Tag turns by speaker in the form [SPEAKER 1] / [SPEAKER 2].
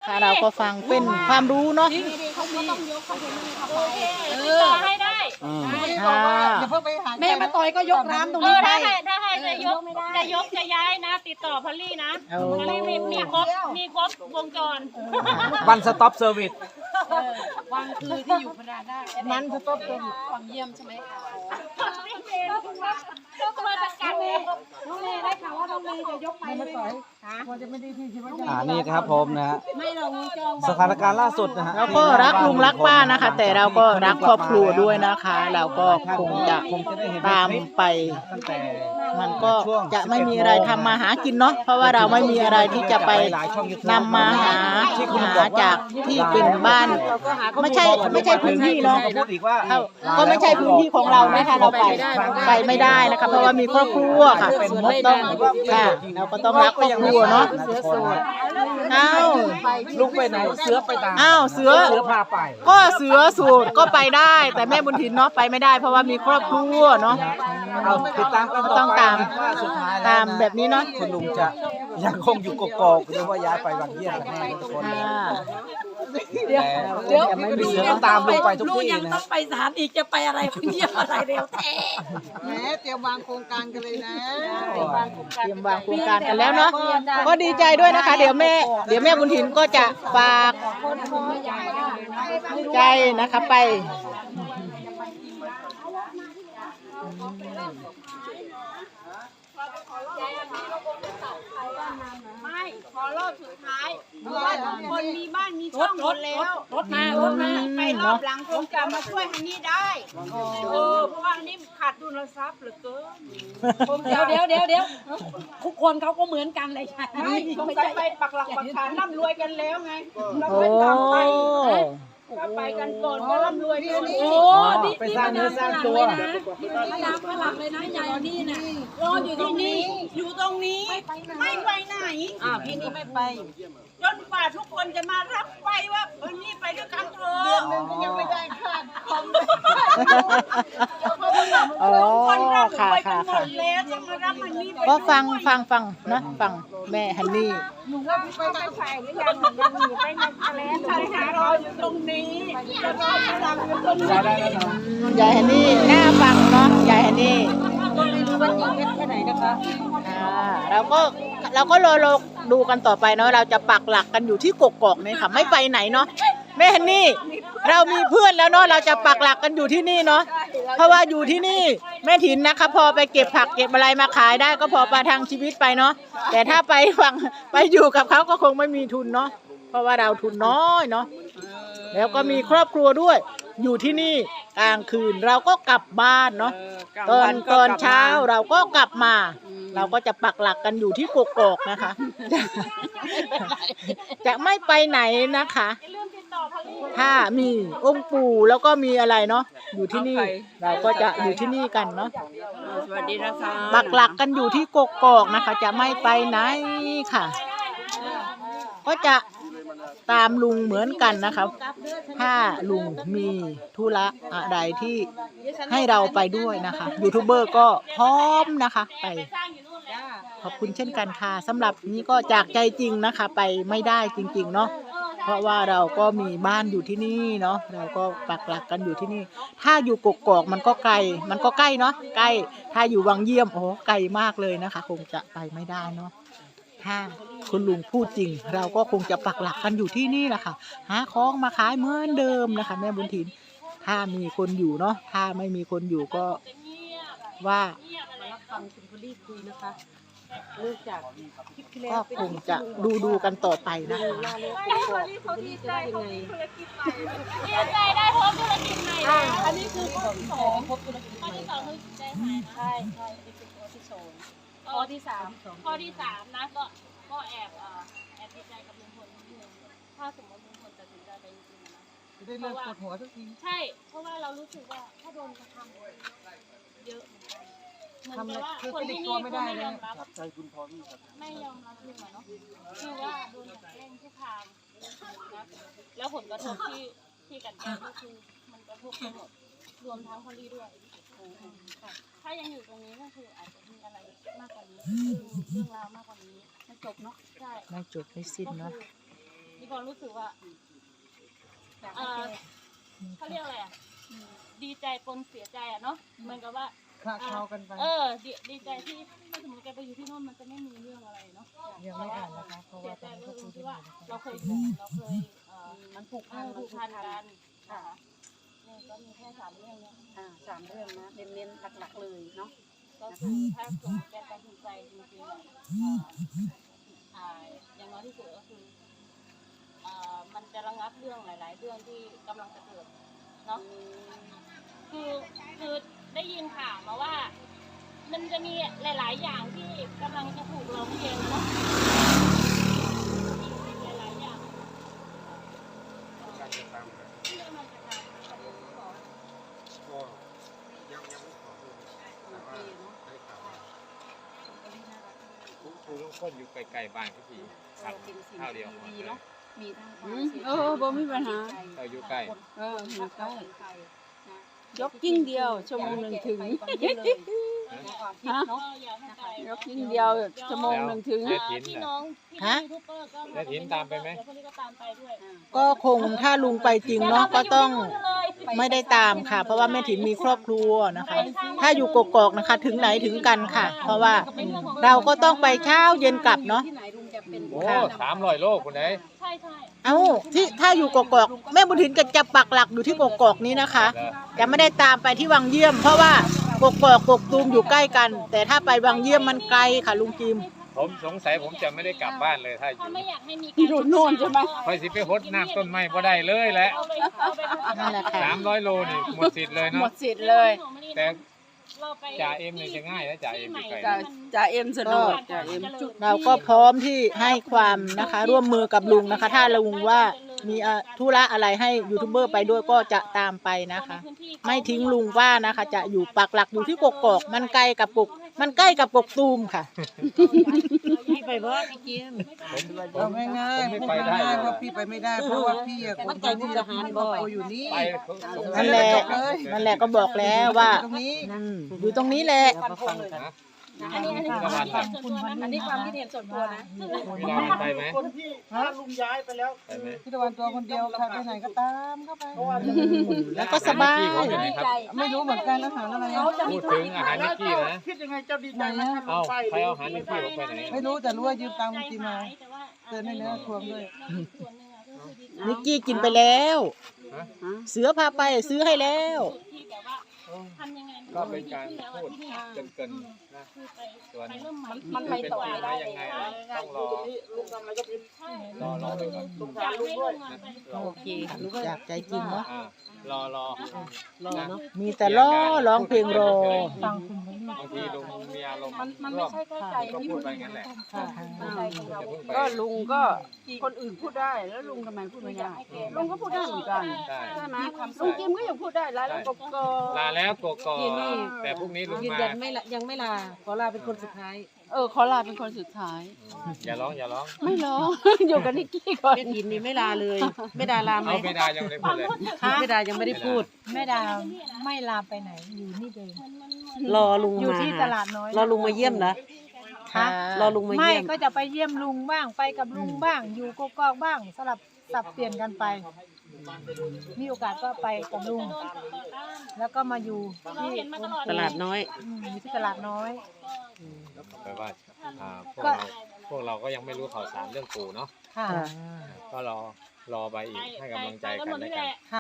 [SPEAKER 1] ค่ะเราก็ฟังเป็นความรู้เนาะ
[SPEAKER 2] เขาก็ต้องยกคอนเทนเนอร์เข้าไป
[SPEAKER 3] ติดต่อให้ได้
[SPEAKER 1] ค่ะ
[SPEAKER 2] แม่มาต่อยก็ยกน้ำตรงนี้ไป
[SPEAKER 3] ถ้าให้จะยกจะย้ายนะ ติดต่อพอลลี่นะพอลลี่มีครบวงจร
[SPEAKER 4] วันสต็อปเซอร์วิส
[SPEAKER 2] วังคือที่อยู่พนาได้มันจะต้องเป็นวังเยี่ยมใช่ไหมคะ
[SPEAKER 3] มาจัดการเลย
[SPEAKER 2] น้องเมย์ได้ข่าวว่าน้องเมย์จะยกไปไหมคะ
[SPEAKER 4] นี่ครับผมนะฮะ
[SPEAKER 2] ไม่เรางูจอง
[SPEAKER 4] สถานการณ์ล่าสุดนะฮะ
[SPEAKER 1] เราก็รักลุงรักป้านะคะ แต่เราก็รักครอบครัวด้วยนะคะ เราก็คงจะตามไป
[SPEAKER 4] ตั้งแต่
[SPEAKER 1] มันก็จะไม่มีอะไรทำมาหากินเนาะเพราะว่าเราไม่มีอะไรที่จะไปนำมาหาจากที่เป็นบ้าน ไม่ใช่พื้นที่เนาะ
[SPEAKER 4] พูดอีกว่า
[SPEAKER 1] ก็ไม่ใช่พื้นที่ของเรานะคะเราไปไม่ได้นะคะเพราะว่ามีครอบครัวค่ะต้องค่ะเราก็ต้องรักครอบครัวเนาะอ้าว
[SPEAKER 4] ลุกไปไหนเสือไปตาม
[SPEAKER 1] อ้าวเสือ
[SPEAKER 4] พาไป
[SPEAKER 1] ก็เสือสูตรก็ไปได้ แต่แม่บุญถินเนาะไปไม่ได้เพราะว่ามีครอบครัวเนาะ
[SPEAKER 4] เอาติดตามกัน
[SPEAKER 1] ก็ต้องตาม
[SPEAKER 4] ว่าสุดท้าย
[SPEAKER 1] ตามแบบนี้เนาะ
[SPEAKER 4] คุณลุงจะยังคงอยู่กกอกหรือว่าย้ายไปวังเยี่ยมกันแน่ทุกคน
[SPEAKER 1] ค่ะ
[SPEAKER 2] เดี๋ยว
[SPEAKER 4] ไม่เสือต้องตามลุงไปทุก
[SPEAKER 2] ลูก
[SPEAKER 4] ที่
[SPEAKER 2] ยัง
[SPEAKER 4] นะ
[SPEAKER 2] ต้องไปศาลอีกจะไปอะไรเพิ่งเยี่ยมอะไรเร็วแท้
[SPEAKER 5] แหมเตรียมวางโครงการกันเลยนะ
[SPEAKER 1] เตรียมวางโครงการกันแล้วเนาะก็ดีใจด้วยนะคะ เดี๋ยวแม่บุญถินก็จะฝากใจนะคะไป
[SPEAKER 3] ไม่ขอรอบสุดท้ายเพราะว่าทุกคนมีบ้านมีช่องหมดแล้ว
[SPEAKER 2] รถมา
[SPEAKER 3] ไปรอบหลังคงจะมาช่วยฮันนี่ได้เพราะว่าฮันนี่ขาดดุลทรัพย์เหลือเกิน
[SPEAKER 2] เดี๋ยวทุกคนเขาก็เหมือนกันเลยใช่ไหม
[SPEAKER 3] ไม่สงสัยไปปักหลักปักฐานร่ำรวยกันแล้วไงเรา
[SPEAKER 1] โอ้
[SPEAKER 3] ไม่ตามไปถ้าไปกันก่อนก็ร่ำรวยกัน
[SPEAKER 2] โอ้นี่มาดามฝรั่งเลยนะมาดามฝรั่งเลยนะยายนี่นะรออยู่ที่นี่
[SPEAKER 3] อยู่ตรงนี้ไม่ไปไหน
[SPEAKER 5] พี่นี่ไม่ไป
[SPEAKER 3] จนกว่าทุกคนจะมารับไปว่านี่ไปด้วยกันเถอะ
[SPEAKER 5] เดือนหนึงก็ยังไม่ได้ค่าคอม
[SPEAKER 1] อ๋อ
[SPEAKER 3] คนร่ำร
[SPEAKER 1] ค่ะ
[SPEAKER 3] วยกั
[SPEAKER 1] ค่ะ
[SPEAKER 3] นหม
[SPEAKER 1] ค่ะ
[SPEAKER 3] ดแล้วจะมารับฮันนี่ไป
[SPEAKER 1] ก็ฟังนะฟังแม่ฮันนี่
[SPEAKER 3] ไปใส่หรือยังอยู่ไปในทะเลทะเลหารออยู่ตรงนี้จะรอพลังอยู่ตรงนี้
[SPEAKER 1] ยายฮันนี่น่าฟังเนาะยายฮันนี่
[SPEAKER 5] ก็ไม่รู้ว่าจริงเท็จแค่ไหนนะคะ
[SPEAKER 1] เราก็รอดูกันต่อไปเนาะเราจะปักหลักกันอยู่ที่กกอกนี่ค่ะไม่ไปไหนเนาะแม่ฮันนี่เรามีเพื่อนแล้วเนาะเราจะปักหลักกันอยู่ที่นี่เนาะเพราะว่าอยู่ที่นี่แม่ถินนะคะพอไปเก็บผักเก็บอะไรมาขายได้ก็พอประทังชีวิตไปเนาะแต่ถ้าไปอยู่กับเขาก็คงไม่มีทุนเนาะเพราะว่าเราทุนน้อยเนาะแล้วก็มีครอบครัวด้วยอยู่ที่นี่กลางคืนเราก็กลับบ้านเนาะตอนเช้าเราก็กลับมาเราก็จะปักหลักกันอยู่ที่กกอกนะคะ จะไม่ไปไหนนะคะ
[SPEAKER 3] อย่าลืมติดต่อพลี
[SPEAKER 1] ถ้ามีองค์ปู่แล้วก็มีอะไรเนาะอยู่ที่นี่เราก็จะอยู่ที่นี่กันเนาะ
[SPEAKER 5] สวัสดีนะคะ
[SPEAKER 1] ปักหลักกันอยู่ที่กกอกนะคะ จะไม่ไปไหนค่ะ ก็จะตามลุงเหมือนกันนะคะถ้าลุงมีธุระอะไรที่ให้เราไปด้วยนะคะยูทูบเบอร์ก็พร้อมนะคะไป
[SPEAKER 3] สร้างอยู่นู่นแหละ
[SPEAKER 1] ขอบคุณเช่นกันค่ะสำหรับนี้ก็จากใจจริงนะคะ ไปไม่ได้จริงๆเนาะเพราะว่าเราก็มีบ้านอยู่ที่นี่เนาะเราก็ปักหลักกันอยู่ที่นี่ ถ้าอยู่กกอกมันก็ไกลมันก็ใกล้เนาะใกล้ถ้าอยู่วังเยี่ยมโอ้ไกลมากเลยนะคะ คงจะไปไม่ได้เนาะถ้าคุณลุงพูดจริง เราก็คงจะปักหลักกันอยู่ที่นี่แหละค่ะหาของมาขายเหมือนเดิมนะคะแม่บุญถินถ้ามีคนอยู่เนาะถ้าไม่มีคนอยู่ก็ว่า
[SPEAKER 2] ฟังคุณพอลี่คุยนะคะเลิกจากคลิปที่แล้ว
[SPEAKER 1] ก็คงจะดูกันต่อไปนะคะ
[SPEAKER 3] เขาดีใจเขามีธุรกิจใหม่ดีใจได้พบธุรกิจใหม่แล้ว
[SPEAKER 2] อันนี้คือข้อที่สองพบธุรกิจ
[SPEAKER 3] ข้อที่สองคือใจหายนะ
[SPEAKER 2] ใช่นี่คือข้อที่สองข้อที่สาม
[SPEAKER 3] ข้อที่สามนะก็แอบดีใจกับลุงพลนิดนึงถ้าสมมติลุงพลตัดสินใจไปจริงๆนะ
[SPEAKER 5] จะได้เลิกปวดหัวสักที
[SPEAKER 3] ใช่ เพราะว่าเรารู้สึกว่าถ้าโดนกระทำเยอะเหมือนกันเหมือนกับว่าคนที่นี่เขาไม่ยอมรับ
[SPEAKER 4] ใจคุณพอที่
[SPEAKER 3] ไม่ยอมรับลุงอะเนาะคือว่าโดนกันแกล้งทุกทางนะแล้วผลกระทบที่กันแกล้งก็คือมันกระทบทั้งหมดรวมทั้งพอลี่ด้วยค่ะถ้ายังอยู่ตรงนี้ก็คืออาจจะมีอะไรมากกว่านี้เรื่องราวมากกว่านี้ไม่จบเนาะใช่
[SPEAKER 1] ไม่จบไม่สิ้นเนาะ
[SPEAKER 3] กมีความรู้สึกว่าเขาเรียกอะไรอ่ะดีใจปนเสียใจอ่ะเนาะเหมือนกับว่า
[SPEAKER 5] คละเคล้ากันไป
[SPEAKER 3] ดีใจที่ถ้าสมมติแกไปอยู่ที่โน่นมันจะไม่มีเรื่องอะไรเนาะ
[SPEAKER 5] ยังไม่อ่านนะคะเพราะ
[SPEAKER 3] เสี
[SPEAKER 5] ว่าย ต
[SPEAKER 3] ใจ
[SPEAKER 5] อนนี้
[SPEAKER 3] ก็
[SPEAKER 5] ก็
[SPEAKER 3] คื
[SPEAKER 5] คุ
[SPEAKER 3] อย ที่
[SPEAKER 5] กัน
[SPEAKER 3] ว่า
[SPEAKER 5] อยู่นะคะ
[SPEAKER 3] เราเคยอยู่เราเคย
[SPEAKER 2] มันผูกพัน
[SPEAKER 3] ผูกพันกันค่ะเนี่ยก็มีแค่3 เรื่องเนี่ย
[SPEAKER 2] 3 เรื่องนะเน้นๆหลักๆเลยเนาะ
[SPEAKER 3] ก็คือถ้าสมมติแกตัดสินใจจริงๆอย่างน้อยที่สุดก็คือมันจะระงับเรื่องหลาย ๆ เรื่องที่กำลังจะเกิดเนาะคือได้ยินข่าวมาว่า มันจะมีหลาย ๆ อย่างที่กำลังจะถูกร้องเรียนเนาะหลาย ๆ อย่างที่กำลังจะทำกับลูกขอ
[SPEAKER 6] ก็ยังไม่ขอดูแต่ว่าได้ข่าวว่าครูลุงพลอยู่ไกลๆบ้านพี่ครับข้าวเดียวหมดเลย
[SPEAKER 2] เนาะมีทั้งความ
[SPEAKER 7] บ่มีปัญหา
[SPEAKER 6] เราอยู่ใกล้
[SPEAKER 7] อยู่ใกล้ยกยิ่งเดียวชั่วโมงหนึ่งถึง ฮะ
[SPEAKER 3] อยากให้ไป
[SPEAKER 7] ยกยิ่งเดียวชั่วโมงหนึ่งถึง
[SPEAKER 3] พี่น้องพี่
[SPEAKER 1] ฮะ
[SPEAKER 3] ยูทูบเบอร์ก็
[SPEAKER 6] แล้วถินตามไปไหม
[SPEAKER 3] เดี๋ยวพวกนี้ก็ตามไปด้วย
[SPEAKER 1] ก็คงถ้าลุงไปจริงเนาะก็ต้องไม่ได้ตามค่ะ เพราะว่าแม่ถิ่นมีครอบครัวนะคะ ถ้าอยู่กกอกนะคะ ถึงไหนถึงกันค่ะ เพราะว่าเราก็ต้องไปเช้าเย็นกลับเนาะ
[SPEAKER 2] ที่ไหนลุงจะเป็น
[SPEAKER 6] โอ้300 โลคุณไหน
[SPEAKER 3] ใช่ใช่
[SPEAKER 1] เอ้าที่ถ้าอยู่กกอกแม่บุญถิ่นก็จะปักหลักอยู่ที่กกอกนี้นะคะจะไม่ได้ตามไปที่วังเยี่ยม เพราะว่ากกอกกกตูมอยู่ใกล้กัน แต่ถ้าไปวังเยี่ยมมันไกลค่ะลุงจิม
[SPEAKER 6] ผมสงสัยผมจะไม่ได้กลับบ้านเลยถ้าอยู่
[SPEAKER 3] ถ้าไม่อยากให้มี
[SPEAKER 7] อยู่โน่นใช่ไหม
[SPEAKER 6] คอยสิไปหดน้ำต้นไม้บ่ได้เลยแหละ
[SPEAKER 3] เอาไป
[SPEAKER 1] นั่นแหละค่ะ
[SPEAKER 6] 300 โลนี่หมดสิทธิ์เลย
[SPEAKER 7] หม
[SPEAKER 6] เนาะ
[SPEAKER 7] ดสิทธิ์เลย
[SPEAKER 6] แต่
[SPEAKER 3] เราไป
[SPEAKER 6] จ่าเอ็มเนี่ยจะง่ายนะจ่าเอ็มอยู่ไกล
[SPEAKER 7] จ่าเอ็มสะดวกจ่าเอ็ม
[SPEAKER 1] เราก็พร้อมที่ให้ความนะคะ ร่วมมือกับลุงนะคะ ถ้าลุงว่ามีธุระอะไรให้ยูทูบเบอร์ไปด้วยก็จะตามไปนะคะ ไม่ทิ้งลุงว่านะคะ จะอยู่ปักหลักอยู่ที่กกอกมันใกล้กับกกตูมค่ะ
[SPEAKER 5] พี่ไปบ่พี่กิน
[SPEAKER 4] เอาง่าย
[SPEAKER 6] ผม
[SPEAKER 4] ๆ
[SPEAKER 6] ไม่
[SPEAKER 4] พูด
[SPEAKER 6] ไปได้
[SPEAKER 4] ง่าย
[SPEAKER 6] ห
[SPEAKER 4] ๆ
[SPEAKER 6] รอ
[SPEAKER 4] ว่าก พี่ไปไม่ได้เพราะว่าพี่อะคนที่ทหารบ่อยู่นี่
[SPEAKER 6] ไปสงสั
[SPEAKER 1] นั่
[SPEAKER 6] ย
[SPEAKER 1] นแหละ
[SPEAKER 6] จบเลย
[SPEAKER 1] นั่นแหละก็บอกแล้วว่า
[SPEAKER 4] ตรงนี้
[SPEAKER 1] อยู่ตรงนี้แหละ
[SPEAKER 6] นะ
[SPEAKER 3] อันนี้ความคิดเห็นส่วนตัวนะ
[SPEAKER 2] อันนี้ความคิดเห็นส่วนตัวนะ
[SPEAKER 6] มีดาวไปไหม
[SPEAKER 5] คนที่ถ้าลุงย้ายไปแล้ว
[SPEAKER 6] ไปไหม
[SPEAKER 4] พี่ตะวันตัวคนเดียวค่ะไปไหนก็ตามเข้าไป
[SPEAKER 1] แล้วก็สบาย
[SPEAKER 6] ผมอยู่ไหนครับ
[SPEAKER 4] ไม่รู้เหมือนกันอาหารอะไรอะ
[SPEAKER 6] พูดถึงอาหารนิกกี้นะ
[SPEAKER 5] คิดยังไงเจ้าดีใจไหมถ้าลุ
[SPEAKER 6] เอ้าง
[SPEAKER 5] ไป
[SPEAKER 6] ใครเอาอาหารนิกกี้ผมไปไหน
[SPEAKER 4] ไม่รู้แต่รู้ว่ายืมตังค์ลุงจิมมาเตือนให้เนื้อทวงด้วย
[SPEAKER 3] ส่วนหนึ่งอะก็คือดีใจ
[SPEAKER 1] นิกกี้กินไปแล้ว
[SPEAKER 6] ฮะ
[SPEAKER 1] เสือพาไปซื้อให้แล้ว
[SPEAKER 3] ที่แบบว่าทำยังไง
[SPEAKER 6] ก็เป็นการพูดเกินๆนะ
[SPEAKER 3] คือไป
[SPEAKER 6] ส่วน
[SPEAKER 3] ไปเริ่มใหม่
[SPEAKER 2] มันไปต่อไม่ได้
[SPEAKER 6] ยังไงต้องรอ
[SPEAKER 5] ลุงทำอะไรก็ผิด
[SPEAKER 3] ใช่
[SPEAKER 6] รอไปก่อน
[SPEAKER 3] อยากให้ลุงอะไป
[SPEAKER 1] โอเคอยากใจจริงเนาะ
[SPEAKER 6] รอรอเนาะ
[SPEAKER 1] มีแต่ล้อร้องเพลงรอ
[SPEAKER 6] บางทีลุงมีอารมณ์
[SPEAKER 2] มันไม่ใช่แค่ใจ
[SPEAKER 6] ก็พูดไปงั้นแหละ
[SPEAKER 2] ใจของเรา
[SPEAKER 6] อย่าเพิ่งไป
[SPEAKER 7] ก็ลุงก็คนอื่นพูดได้แล้วลุงทำไมพูดไม่ได้ลุงก็พูดได้เหมือนกัน
[SPEAKER 6] ได้
[SPEAKER 7] ใช่ไหมลุงจิมก็ยังพูดได้แล้วก็
[SPEAKER 6] ลาแล้วกกอกแต่พรุ่งนี้ลุง
[SPEAKER 5] ยืน
[SPEAKER 6] มา
[SPEAKER 5] ยันยังไม่ลาขอลาเป็นคนสุดท้าย
[SPEAKER 7] ขอลาเป็นคนสุดท้าย
[SPEAKER 6] อย่าร้องอย่าร้อง
[SPEAKER 7] ไม่ร้อง อยู่กับนิกกี้ก่อน
[SPEAKER 5] แม่ถินนี่ไม่ลาเลยไม่ดาลาไหม
[SPEAKER 6] เอาไม่ได้ยังไม่ได้พูดเลย
[SPEAKER 5] ไม่ดายังไม่ได้พูด
[SPEAKER 8] แม่ดาไม่ลามไปไหนอยู่นี่เดิม
[SPEAKER 5] รอลุง
[SPEAKER 8] อยู่
[SPEAKER 5] มา
[SPEAKER 8] ที่ตลาดน้อย
[SPEAKER 5] รอลุงมาเยี่ยมนะ
[SPEAKER 1] ค่ะ
[SPEAKER 5] รอลุงมา
[SPEAKER 8] ไม่
[SPEAKER 5] เยี่ยม
[SPEAKER 8] ก็จะไปเยี่ยมลุงบ้างไปกับลุงบ้าง อยู่กกอกบ้างสลับสับเปลี่ยนกันไป มีโอกาสก็ไปกับลุง แล้วก็มาอยู่ที่
[SPEAKER 3] เห็นมาตลอด
[SPEAKER 5] ตลาดน้อย
[SPEAKER 8] อยู่ที่ตลาดน้อย
[SPEAKER 6] แปลว่าพวกเราก็ยังไม่รู้ข่าวสารเรื่องปู่เนาะ
[SPEAKER 8] ค่ะ
[SPEAKER 6] ก็รอไปอีกให้กำลังใจกัน
[SPEAKER 3] หมด
[SPEAKER 6] แล้ว
[SPEAKER 3] นี่แห
[SPEAKER 6] กัน
[SPEAKER 3] ละ